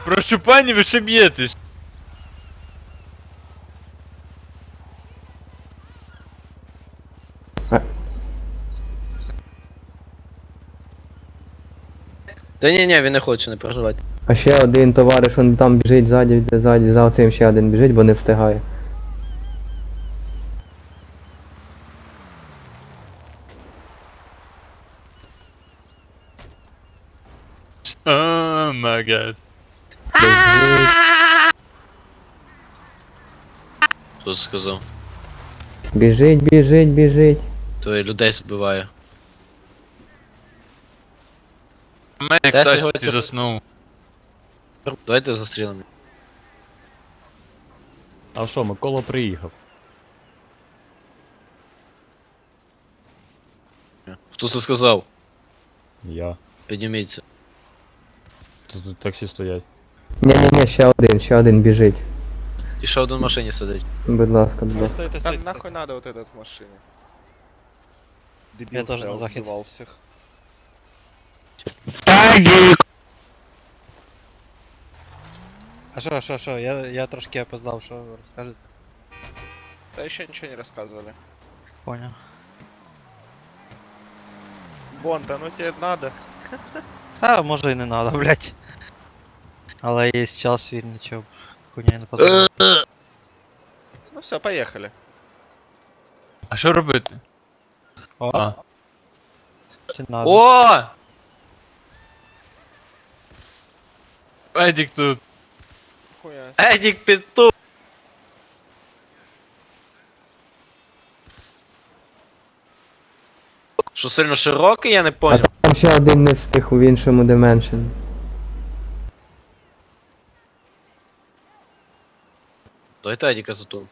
Прошу пані, ви ще б'єтесь. Та ні, він не хоче, не переживайте. А ще один товариш, он там біжить ззаді, за оцим ще один біжить, бо не встигає. О, май гад. Хто це сказав? Біжить, біжить, біжить. То і людей збиває. У мене як Та тачці сьогодні- заснув. Давайте застрілимо. А що, Микола приїхав? Хто це сказав? Я. Підніміться. Тут таксі стоять. Ні-ні-ні, ще один біжить. І ще один в машині сидить. Будь ласка, будь ласка. Стойте, Там стойте. нахуй надо вот этот в машине? Дебил Я тоже стоял, на захід. сбивал всех. А що, я трошки опоздав, що ви розкажете? Да еще ничего не рассказывали. Понял. Бонда, ну тебе надо. А, може і не надо, блять. Але є час вільний, чого б хуйня не позволить. Ну все, поехали. А що робити? О, А. чи надо? О! Едік тут. Хуя. Едік Петух! Що сильно широкий, я не А понял. там ще один не встиг у іншому Dimension. Давайте Едіка затул.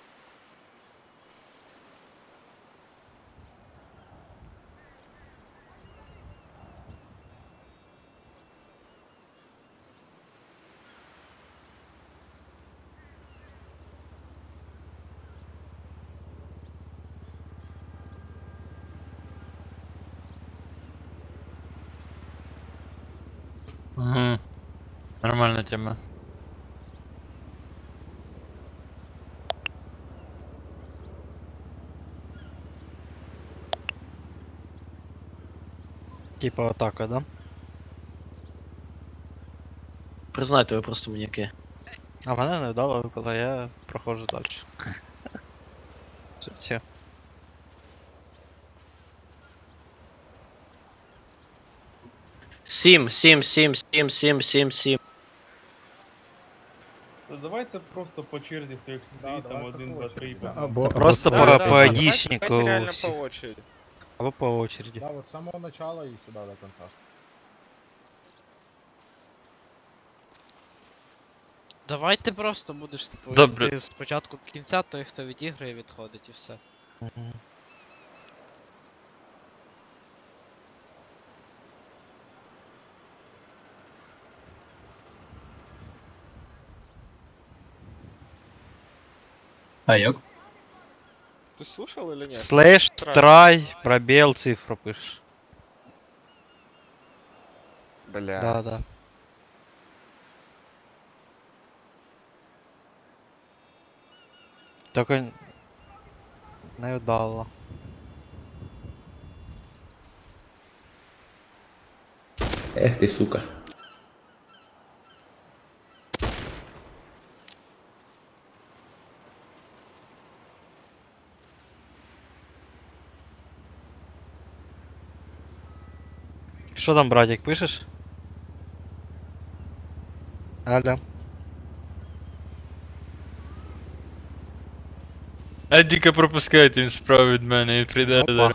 Угу. Нормальна тема. Типа атака, да? Признайте, ви просто маніяки. А мене не вдало, коли я проходжу далі. Все. Сім. Та давайте просто по черзі, хто як стоїть, там 1, 2, 3 Або, Просто Да, по, да, по да, айдишнику давайте реально всі. по очереди. Або по очереді. Да, вот с самого начала и сюда до конца. Давайте просто будеш типу, Добре. ти спочатку кінця, той хто відіграє, відходить і все. Мгм. А як? Ты слушал или нет? Слэш, трай, пробел, цифру пишешь. Бля. Да, да. Только не вдало. Ех ти, сука. Что там, братик, пишешь? Алло. Едіка пропускайте, він справа від мене і прийде. Опа.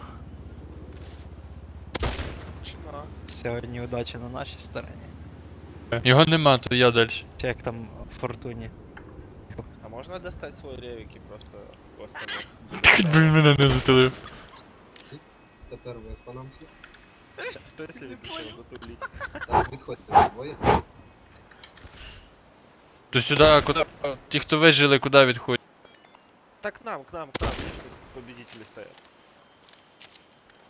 Чина. Сегодня удача на нашей стороне. Його нема, то я далі. Как там в Фортуне. А можно достать свой ревик и просто у остальных? Хоч би він мене не затулив. Тепер ви економці. Кто если решил затулить? Так, відходьте двоє. То сюди, куди. Ті, хто вижили, куди відходять? Так к нам, видишь, тут победители стоят.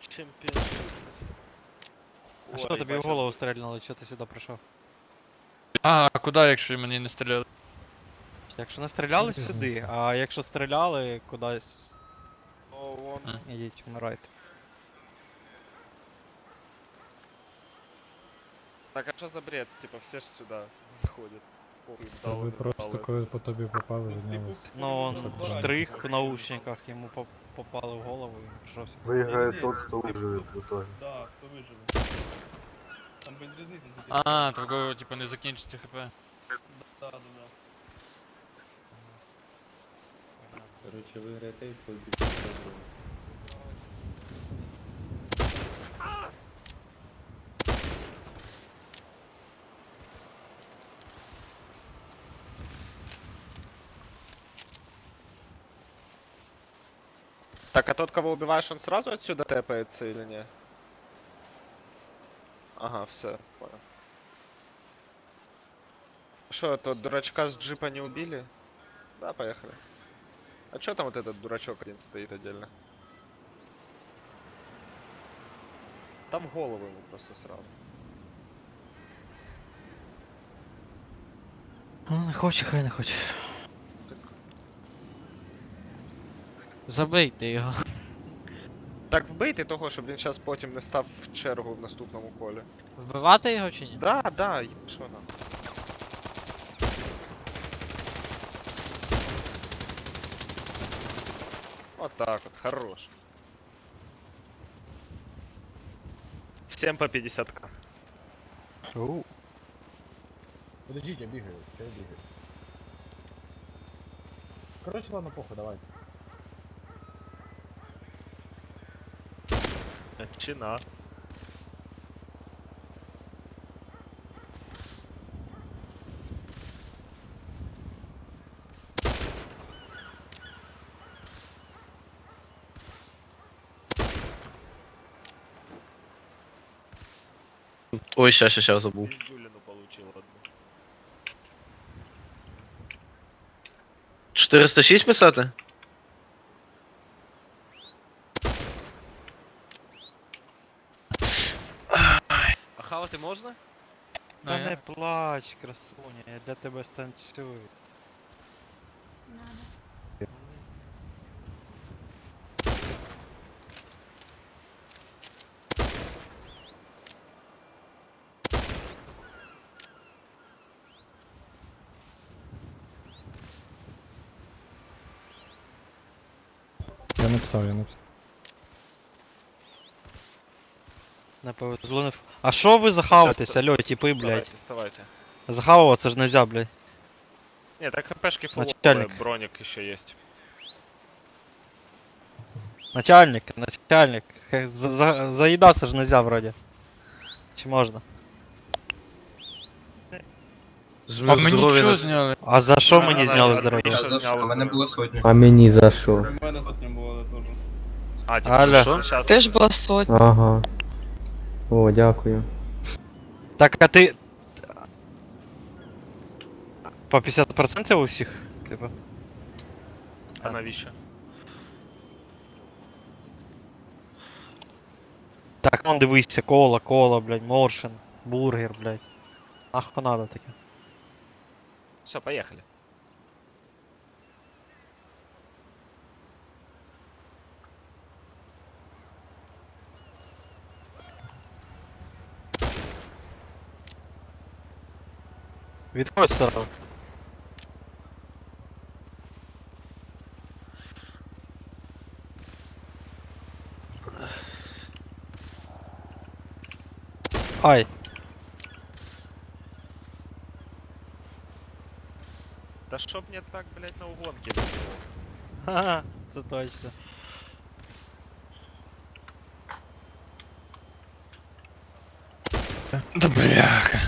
Чемпионшип. А что тебе в голову стрельнуло? Что ты сюда пришел? А куди, якщо мені не стріляли? Якщо не стріляли сюди, а якщо стріляли кудись, О, вон. ідіть, вмирайте. Так, а что за бред? Типа все ж сюда заходят. Похуй, Та ви дали, просто дали. коли по тобі попали, віднялися. Ну, он штрих в наушниках, ему попало в голову и он пришелся. Виграє тот, хто виживе в итоге. Да, хто виживе. Там без різниці, скільки. А, того, типа, не закінчиться хп. Да, да, да. Короче, виграє той, хто більше зробив. Так, а тот, кого убиваешь, он сразу отсюда тэпается или не? Ага, все, понял. Что, тот дурачка с джипа не убили? Да, поехали. А чё там вот этот дурачок один стоит отдельно? Там голову ему просто сразу. Ну, не хоче, хай не хоче. Забийте його. Так вбийте того, щоб він зараз потім не став в чергу в наступному колі. Вбивати його чи ні? Да, да, що нам? Вот так вот, хорош. Всем по 50к. Подождіть, я бігаю, я бігаю. Короче, ладно, похуй, давайте. Чина. Ой, щас, забув. Пиздюлину получил одну. 406 писати? А хавати можна? Та Ну, не я- плач, красуня, я для тебе станцюю. Я написав, я написав. Не повезло, не... А що ви захаватесь, алло, типи, блядь? Вставайте. Захавуватися ж нельзя, блядь. Нет, так хпшки фуловые, Начальник. броник еще есть. Начальник. Заїдатися ж нельзя вроде. Чи можна? А мені що зняли? А за що мені зняли здоров'я? Що У мене було сотня. А мені за що? У мене сотня була, але теж. А, типа, Аля. сейчас... Теж була сотня. Ага. О, дякую. Так, а ти... По 50% у всіх? Типа. А навіщо? Так, вон дивися, кола, блядь, моршин, бургер, блядь. Нахуй надо таке. Все, поехали. Відходь сразу. Ай. Да чтоб мне так, блядь, на угонке везло. Ха-ха, це точно. Да бляха.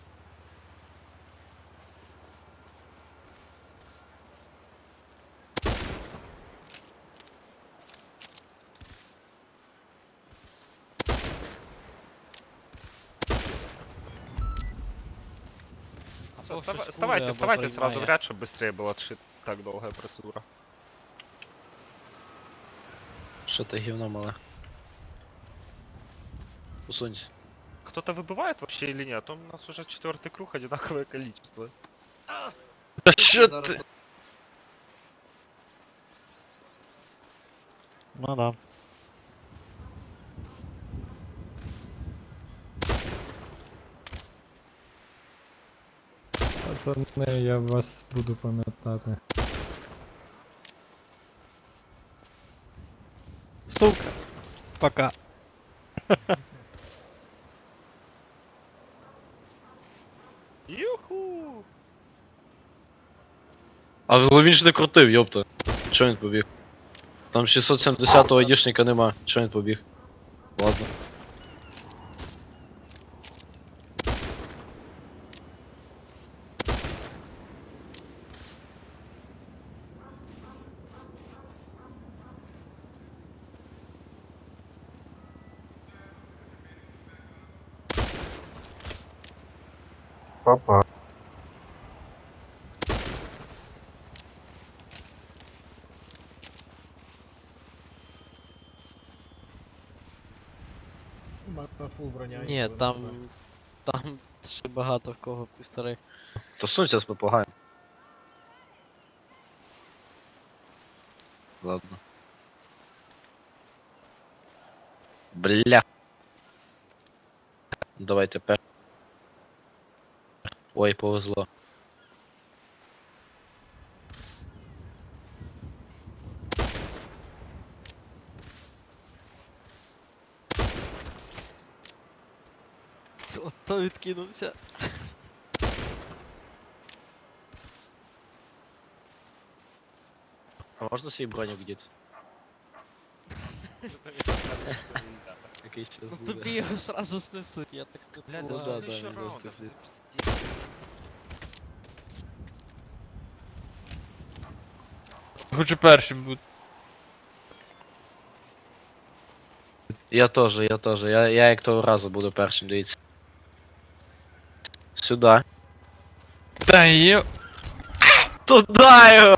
Всё, Або щось вставайте, кури, вставайте або сразу в поймає. ряд, чтобы быстрее была так долгая процедура. Що ти гівно мале? Усунься. кто-то выбывает вообще или нет? А то у нас уже 4-й круг, одинаковое количество. Та що ти? Ну да. Пацани, я вас буду пам'ятати. Сука. Пока. Юху! А він ж не крутив, йопта. Чо він побіг? Там 670-го айдішника нема. Чо він побіг? Ладно. Папа. Фул броня. Ні, там. Там ще багато в кого півтори. То сунься з попугаєм. Ладно. Бля. Давай тепер. Ой, повезло. Ото відкинувся. А можна свій броню діти? Який ще Ну тобі його сразу снесуть, я так не Бля, да Ну думаю. да, сколько еще да, раундов? просто Это пиздец. Хочу першим бути. Я теж. Я як того разу буду першим, дивіться. Сюди. Та йо. Туда його!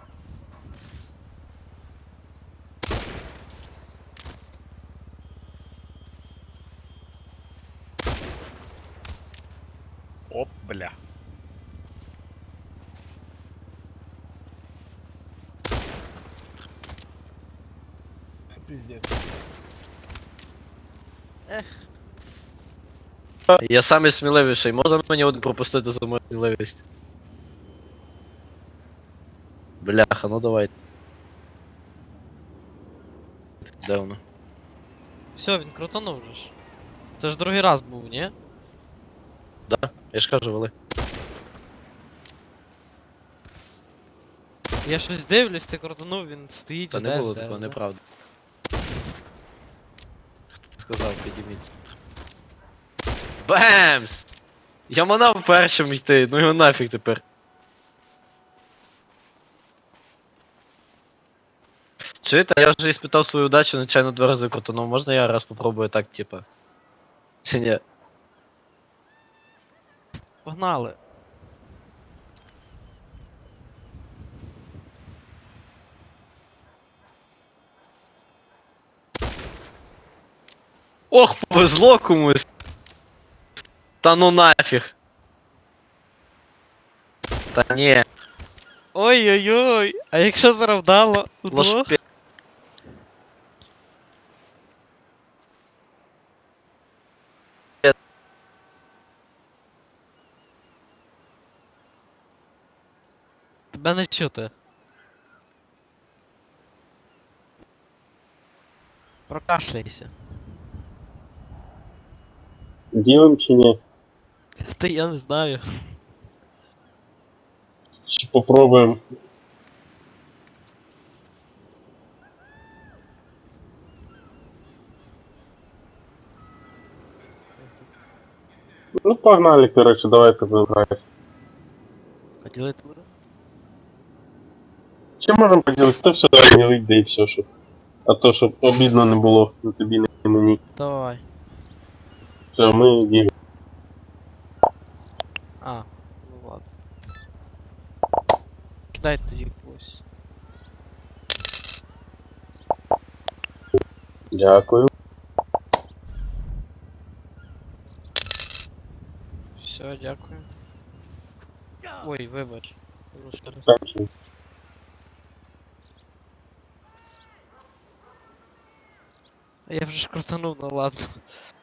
Оп, бля. Пиздец. Я самий сміливіший, можна мені один пропустити за мою сміливість? Бляха, ну давай. Де воно? Все, він крутанув же ж. Це ж другий раз був, ні? Я ж кажу, вели. Я щось дивлюсь, ти крутанув, він стоїть, Та жде, не було жде, такого, жде. неправда. Хто сказав, підійміться. Бемс! Я манав першим йти, ну його нафіг тепер. Чуєте, я вже іспитав свою удачу, нечайно 2 рази крутанув. Можна я раз попробую так, типа? Чи ні? Погнали. Ох, повезло комусь! Та ну нафіг! Та ні, Ой-ой-ой, а якщо зараз вдало? Удвох? лошпі. Тебе не чути. Прокашляйся. Ділим чи ні? Та я не знаю. Чи попробуємо? Ну погнали, короче, давайте вибирати. Поділити буде? Чи можемо поділити? Хто сюди не вийде і все, щоб. А то, щоб обідно не було на тобі, не мені. Давай. Все, ми ділимо. А, ну ладно. Кидай тоді когось. Дякую. Все, дякую. Ой, вибач. Я вже ж крутанув, ну ладно.